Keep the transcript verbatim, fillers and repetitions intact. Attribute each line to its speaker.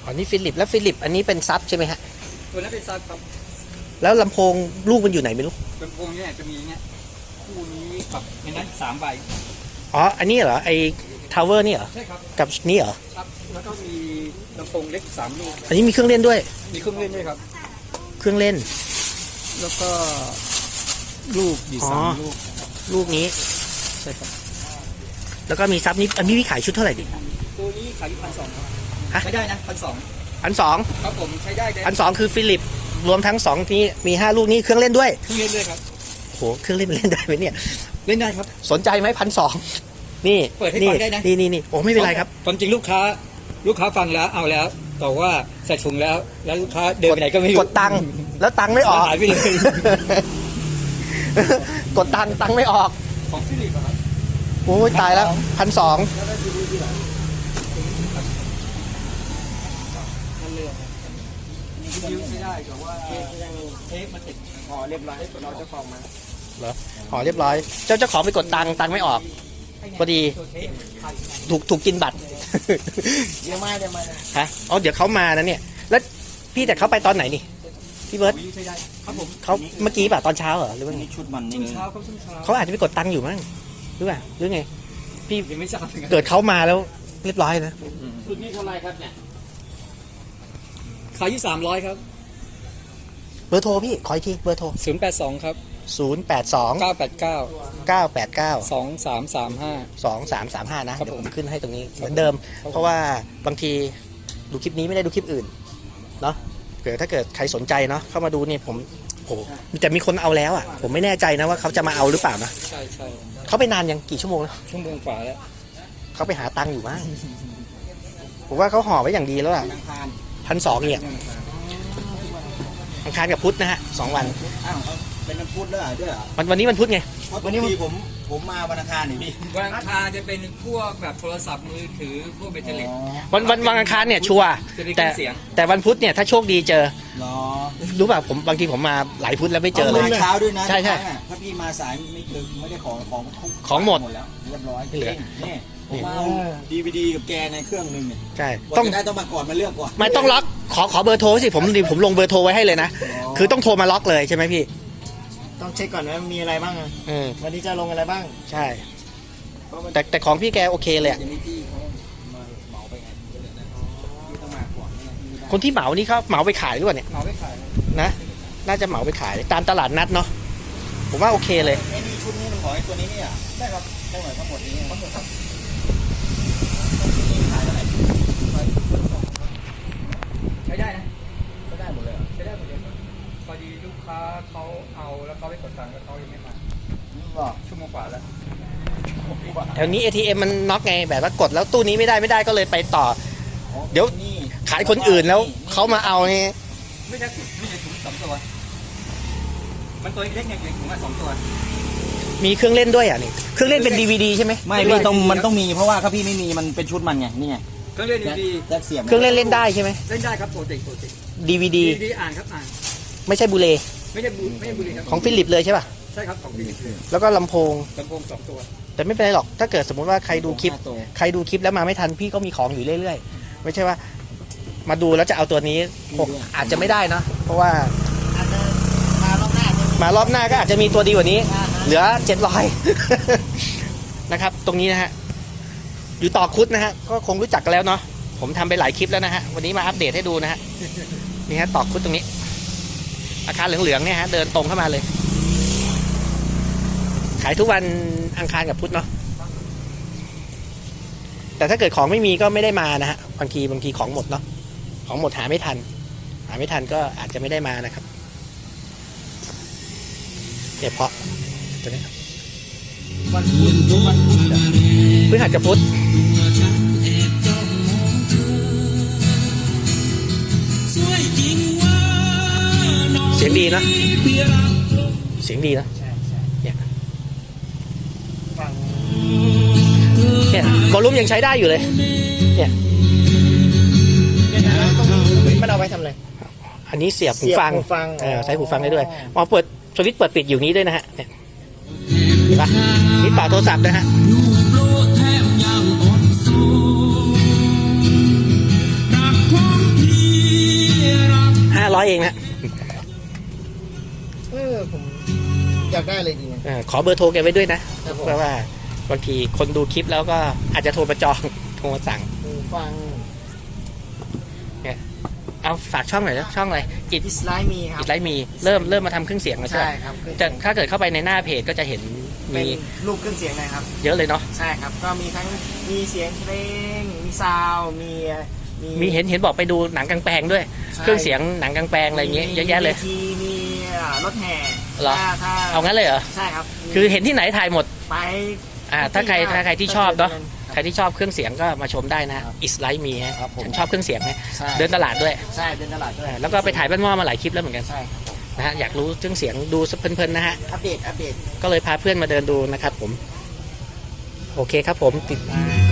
Speaker 1: อ๋อนี่ฟิลิปแล้วฟิลิปอันนี้เป็นซับใช่ไหมฮะ
Speaker 2: ตัวนั้นเป็นซับครับ
Speaker 1: แล้วลำโพงลูกมันอยู่ไหนไม่รู้
Speaker 2: ลำโพงเนี่ยจะมีเนี่ยคู่นี้กับในนั้นสามใบ
Speaker 1: อ๋ออันนี้เหรอไอทาวเวอร์นี่เหรอ
Speaker 2: ใช่ครับ
Speaker 1: กับนี่เหรอ
Speaker 2: ครับแล้วก็มีลำโพงเล็กสามลูก
Speaker 1: อันนี้มีเครื่องเล่นด้วย
Speaker 2: มีเครื่องเล่นด้วยครับ
Speaker 1: เครื่องเล่น
Speaker 2: แล้วก็ลูกอยู่สามลูก
Speaker 1: ลูกนี้
Speaker 2: ใช่ครับ
Speaker 1: แล้วก็มีซับนี้อันนี้พี่ขายชุดเท่าไหร่ดิ
Speaker 2: ตัวนี้ขายอยู่พันสองครับใช้ได้นะพันสอง
Speaker 1: พันสอง
Speaker 2: ครับผมใช้ได้
Speaker 1: พันสองคือฟิลิปรวมทั้งสองนี้มีห้าลูกนี้เครื่องเล่นด้วย
Speaker 2: เครื่องเล่นด้วยครับ
Speaker 1: โหเครื่องเล่นเล่นได้ไหมเนี่ย
Speaker 2: เล่นได้ครับ
Speaker 1: สนใจไหมพันสองนี่
Speaker 2: เปิดให้ฟังได้นะ
Speaker 1: นี่นี่นี่โอ้ไม่เป็นไรครับ
Speaker 2: ความจริงลูกค้าลูกค้าฟังแล้วเอาแล้วแต่ว่าใส่ถุงแล้วแล้วลูกค้าเดินไปไหนก็ไม่รู้
Speaker 1: กดตังค์แล้วตังค์ไม่ออก
Speaker 2: หายไปเลย
Speaker 1: กดตังค์ตังค์ไม่ออก
Speaker 2: ของฟิลิปครับ
Speaker 1: โอ้ยตายแล้วพันสอง
Speaker 2: ยิ้วไม่ได้แต่ว่าเทปมันติดห่อเรียบร้อยเราจะฟองมา
Speaker 1: เหรอห่อเรียบร้อยเจ้าเจ้าของไปกดตังค์ตังค์ไม่ออกพอดีถูกถูกกินบัตร
Speaker 2: เดี๋ยวมาเดี๋ยวมา
Speaker 1: ฮะอ๋อเดี๋ยวเขามานะเนี่ยแล้วพี่แต่เขาไปตอนไหนนี่พี่เบิร์ตเขาเมื่อกี้ป่ะตอนเช้าเหรอหรือว่าไง
Speaker 2: ชุดมันนี่เช้าเขาชุดเช้า
Speaker 1: เขาอาจจะไปกดตังค์อยู่มั้งหรือเปล่าหรือไงพี่
Speaker 2: ยังไม่ทราบ
Speaker 1: เกิดเขามาแล้วเรียบร้อยนะ
Speaker 2: ชุดนี้เท่าไรครับเนี่ยขายที่สามร้อยครับ
Speaker 1: เบอร์โทรพี่ขออีกทีเบอร์โทร
Speaker 2: ศูนย์แปดสองครับ
Speaker 1: ศูนย์แปดสอง
Speaker 2: เก้าแปดเก้า
Speaker 1: เก้าแปดเก้า
Speaker 2: สองสามสามห้า
Speaker 1: สองสามสามห้านะเดี๋ยวผมขึ้นให้ตรงนี้เหมือนเดิมเพราะว่าบางทีดูคลิปนี้ไม่ได้ดูคลิปอื่นเนาะเกิดถ้าเกิดใครสนใจเนาะเข้ามาดูเนี่ยผมโอ้แต่มีคนเอาแล้วอ่ะผมไม่แน่ใจนะว่าเขาจะมาเอาหรือเปล่านะ
Speaker 2: ใช่ใช่
Speaker 1: เขาไปนานยังกี่ชั่วโมงแล้ว
Speaker 2: ชั่วโมงกว่าแล้ว
Speaker 1: เขาไปหาตังค์อยู่มั้งผมว่าเขาห่อไว้อย่างดีแล้วอ่ะพันสองเนี่ยอังคารกับพุธนะฮะสองวัน
Speaker 3: อ้าวเป็นวันพุธแล้วเหรอด้วยเหรอ
Speaker 1: วันวันนี้วันพุธไง
Speaker 3: วันนี้ผมผมมาวันอังคารนี่พี่
Speaker 2: วันอังคารจะเป็นพวกแบบโทรศัพท์มือถือพวกแบตเตอรี่
Speaker 1: วันวันวันอังคารเนี่ยชัวร์แต่แต่วันพุธเนี่ยถ้าโชคดีเจอรู้ป่ะผมบางทีผมมาหลายพุธแล้วไม่เจอเลย
Speaker 3: เช้าด้วยนะ
Speaker 1: ใช่ใช่
Speaker 3: ถ้าพี่มาสายไม่เจอไม่ได้ของของ
Speaker 1: ของหมด
Speaker 3: แล้วเรียบร้อย
Speaker 1: เหลือ
Speaker 3: นี่ผมเอาดีวีดีกับแกในเครื่องนึงเนี่ย
Speaker 1: ใช่
Speaker 3: ต้องได้ต้องมาก่อนมาเลือกก่อน
Speaker 1: ไม่ต้องล็อกขอขอเบอร์โทรสิผมผมลงเบอร์โทรไว้ให้เลยนะคือต้องโทรมาล็อกเลยใช่ไหมพี่
Speaker 3: ต้องเช็คก่อนว่ามีอะไรบ้างอ่ะวันนี้จะลงอะไรบ้าง
Speaker 1: ใช่แต่แต่ของพี่แกโอเคเลยคนที่เหมานี่เขาเหมาไปขายหรือเปล่าเนี่ย
Speaker 2: เหมาไปขาย
Speaker 1: นะน่าจะเหมาไปขายตามตลาดนัดเนาะผมว่าโอเคเลย
Speaker 3: ไอ้นี่ชุดนี้มันขอไอ้ตัวนี้เนี่ยได้ครับได้หมดทั้งหมดนี้ทั้งหมดครับ
Speaker 2: ใช้ได้นะใช้ได้หมดเลยใช้ได้หมดเลยพอดีลูกค้าเขาเอาแล้วเขาไปกดตังค์แล้วเขายังไม่มาชั่วโมงกว่าแล้ว
Speaker 1: แถวนี้ เอ ที เอ็ม มันน็อกไงแบบว่ากดแล้วตู้นี้ไม่ได้ไม่ได้ก็เลยไปต่อเดี๋ยวขายคนอื่นแล้วเขามาเอานี่
Speaker 2: ไม่ใช่ไม่ใช่ถุงสองตัวมันตัวเล็กไงถุงมาสองตัว
Speaker 1: มีเครื่องเล่นด้วยอ่ะนี่เครื่องเล่นเป็น ดี วี ดี ใช่ไหม
Speaker 3: ไม่พี่ต้องมันต้องมีเพราะว่าถ้าพี่ไม่มีมันเป็นชุดมันไงนี่ไง
Speaker 2: เครื่องเล่นดี
Speaker 3: แจ็คเสียบ
Speaker 1: เครื่องเล่นเล่นได้ใช่ไหม
Speaker 2: เล่นได้ครับโปรเจกต์โปรเจกต์
Speaker 1: ดี วี ดี
Speaker 2: ดีอ่านครับอ่าน
Speaker 1: ไม่ใช่บูเล
Speaker 2: ไม่ใช่บูไม่ใช่บูเลครับ
Speaker 1: ของฟิลิปเลยใช่ป่ะ
Speaker 2: ใช่ครับของฟิลิปเลย
Speaker 1: แล้วก็ลำโพง
Speaker 2: ลำโพงสองตัว
Speaker 1: แต่ไม่เป็นไรหรอกถ้าเกิดสมมติว่าใครดูคลิปใครดูคลิปแล้วมาไม่ทันพี่ก็มีของอยู่เรื่อยๆไม่ใช่ว่ามาดูแล้วจะเอาตัวนี้อาจจะไม่ได้นะเพราะว่ามารอบหน้ามารอบหน้าก็อาจจะมีตัวดีกว่านี้เหลือเจ็ดร้อยนะครับตรงนี้นะฮะอยู่ต่อคุดนะฮะก็คงรู้จักกันแล้วเนาะผมทำไปหลายคลิปแล้วนะฮะวันนี้มาอัปเดตให้ดูนะฮะนี่ฮะต่อคุดตรงนี้อาคารเหลืองๆเนี่ยฮะเดินตรงเข้ามาเลยขายทุกวันอังคารกับพุธเนาะแต่ถ้าเกิดของไม่มีก็ไม่ได้มานะฮะบางทีบางทีของหมดเนาะของหมดหาไม่ทันหาไม่ทันก็อาจจะไม่ได้มานะครับเนี่ยเพาะตัวนี้
Speaker 2: วันพุธวันพุธ
Speaker 1: พฤหัสกับพุธเสียงดีนะเสียงดีนะเนี่ยเนี่ยวอลลุ่มยังใช้ได้อยู่เลยเนี่ย
Speaker 3: มันเอาไปทำอะไร
Speaker 1: อันนี้เสียบหูฟังใช้หูฟังได้ด้วยมอเปิดสวิตช์เปิดปิดอยู่นี้ด้วยนะฮะเนี่ยเห็นปะนี่ต่อโทรศัพท์นะฮะเองนะ
Speaker 3: เออผมอยากได้เลยดีนะ
Speaker 1: เออขอเบอร์โทรแกไว้ด้วยนะครับ
Speaker 3: ผม
Speaker 1: เพราะว่าบางทีคนดูคลิปแล้วก็อาจจะโทรมาจอง โทรมาสั่ง
Speaker 3: หูฟัง
Speaker 1: เอาฝากช่องหน่อยนะช่องอะไรอิด
Speaker 3: อิสไลม์มีครับ
Speaker 1: อิดไลท์มีเริ่มเริ่มมาทำเครื่องเสียงแล้วใช่ไห
Speaker 3: ใช่
Speaker 1: ม
Speaker 3: ครับ
Speaker 1: จะถ้าเกิดเข้าไปในหน้าเพจก็จะเห็น
Speaker 3: เป็
Speaker 1: มี
Speaker 3: นรูปเครื่องเสียงนะครับ
Speaker 1: เยอะเลยเนาะ
Speaker 3: ใช่ครับก็มีทั้งมีเสียงเพลงมีซาวด์มี
Speaker 1: มีเห็นเห็นบอกไปดูหนังกลางแปลงด้วย
Speaker 3: ใช่
Speaker 1: เครื่องเสียงหนังกลางแปลงอะไรอย่างเงี้ยเยอะแยะเลย
Speaker 3: มีวทีมีอ่ารถแห่
Speaker 1: เหรอ
Speaker 3: ถ้าถ้า
Speaker 1: เอางั้นเลยเหรอ
Speaker 3: ใช่ครับ
Speaker 1: คือเห็นที่ไหนถ่ายหมด
Speaker 3: ไป
Speaker 1: อ่าถ้าใครถ้าใครที่ชอบเนาะ
Speaker 3: ค
Speaker 1: ใครที่ชอบเครื่องเสียงก็มาชมได้นะอิสไลท์มีฮะ
Speaker 3: ครับผม
Speaker 1: ฉันชอบเครื่องเสียงนะ
Speaker 3: ใช่
Speaker 1: เดินตลาดด้วย
Speaker 3: ใช่เดินตลาดด้วย
Speaker 1: แล้วก็ไปถ่ายบ้านหม้อมาหลายคลิปแล้วเหมือนกัน
Speaker 3: ใช่ครับผม
Speaker 1: นะฮะอยากรู้เครื่องเสียงดูเพลินๆนะฮะ
Speaker 3: อัปเดตอัปเดต
Speaker 1: ก็เลยพาเพื่อนมาเดินดูนะครับผม โอเคครับผมติด